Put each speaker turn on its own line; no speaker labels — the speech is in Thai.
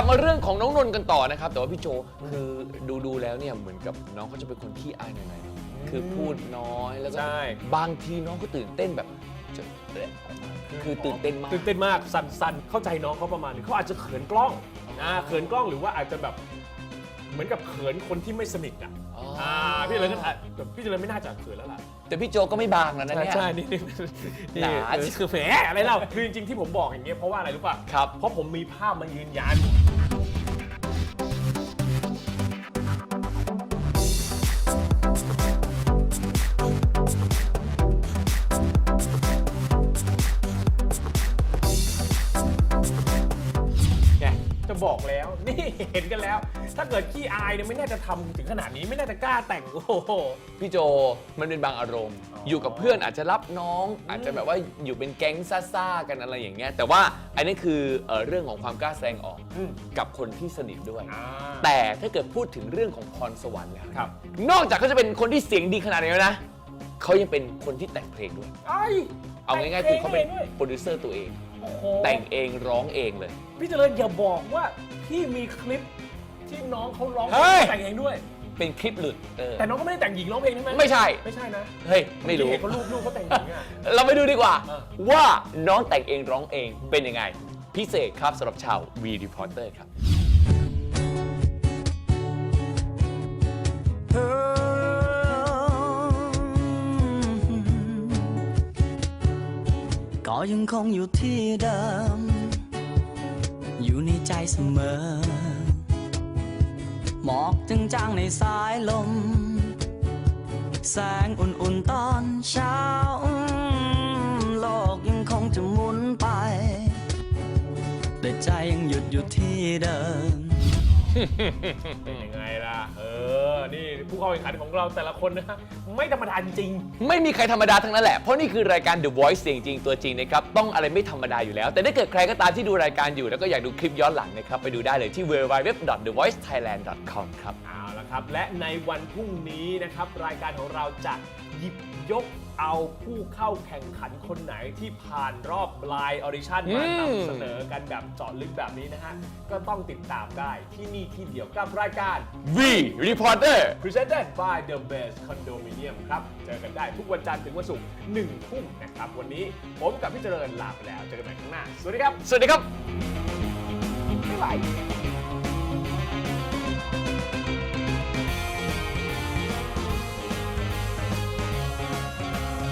ลับมาเรื่องของน้องนนท์กันต่อนะครับแต่ว่าพี่โจคือดูแล้วเนี่ยเหมือนกับน้องเขาจะเป็นคนขี้อายหน่อยๆคือพูดน้อยแล้วก็บางทีน้องก็ตื่นเต้นแบบคือตื่นเต้นมาก
สั่นเข้าใจน้องเขาประมาณนึงเขาอาจจะเขินกล้องเขินกล้องหรือว่าอาจจะแบบเหมือนกับเขินคนที่ไม่สนิทพี่เลยก็แบบพี่เลยไม่น่าจะเขินแล้วล่ะ
แต่พี่โจก็ไม่บางแล้วนะเนี่ย
ใช่นี่คือแหมอะไรเล่าคือจริงๆที่ผมบอกอย่างเงี้ยเพราะว่าอะไรรู้ป่ะ
ครับ
เพราะผมมีภาพมายืนยันจะบอกแล้วนี่เห็นกันแล้วถ้าเกิดขี้อายเนี่ยไม่น่าจะทำถึงขนาดนี้ไม่น่าจะกล้าแต่งโอ้โห
พี่โจมันเป็นบางอารมณ์อยู่กับเพื่อนอาจจะรับน้องอาจจะแบบว่าอยู่เป็นแก๊งซ่าๆกันอะไรอย่างเงี้ยแต่ว่าอันนี้คือเรื่องของความกล้าแสดงออกกับคนที่สนิทด้วยแต่ถ้าเกิดพูดถึงเรื่องของพรสวรรค์แล้วนอกจากเขาจะเป็นคนที่เสียงดีขนาดนี้แล้วนะเขายังเป็นคนที่แต่งเพลงด้วยเอาง่ายๆคือเขาเป็นโปรดิวเซอร์ตัวเองแต่งเองร้องเองเลย
พี่เจริญอย่าบอกว่าพี่มีคลิปที่น้องเขาร้องแต่งเองด้วย
เป็นคลิปหลุด
แต่น้องก็ไม่ได้แต่งหญิงร้องเพลงใช่ไหม
ไม่ใช่
นะ
เฮ้ยไม่รู้
เขาลูกเขาแต่งหญิง
เราไปดูดีกว่าว่าน้องแต่งเองร้องเองเป็นยังไงพิเศษครับสำหรับชาว V Reporter ครับ
ก็ยังคงอยู่ที่เดิมอยู่ในใจเสมอหมอกจางๆในสายลมแสงอุ่นๆตอนเช้าโลกยังคงจะหมุนไปแต่ใจยังหยุดอยู่ที่เดิม
เป็นยังไงล่ะนี่ผู้เข้าแข่งขันของเราแต่ละคนนะไม่ธรรมดาจริง
ไม่มีใครธรรมดาทั้งนั้นแหละเพราะนี่คือรายการ The Voice เสียงจริงตัวจริงนะครับต้องอะไรไม่ธรรมดาอยู่แล้วแต่ถ้าเกิดใครก็ตามที่ดูรายการอยู่แล้วก็อยากดูคลิปย้อนหลังนะครับไปดูได้เลยที่ www.thevoicethailand.com ครับ
เอาละครับและในวันพรุ่งนี้นะครับรายการของเราจะหยิบยกเอาผู้เข้าแข่งขันคนไหนที่ผ่านรอบไลน์ออดิชั่นมานำเสนอกันแบบเจาะลึกแบบนี้นะฮะก็ต้องติดตามได้ที่นี่ที่เดียวกับรายการ
V Reporter
Presented by The Best Condominium ครับเจอกันได้ทุกวันจันทร์ถึงวันศุกร์ 1 ทุ่มนะครับวันนี้ผมกับพี่เจริญลาไปแล้วเจอกันใหม่ครั้งหน้าสวัสดีครับ
สวัสดีครับ
บ๊ายบาย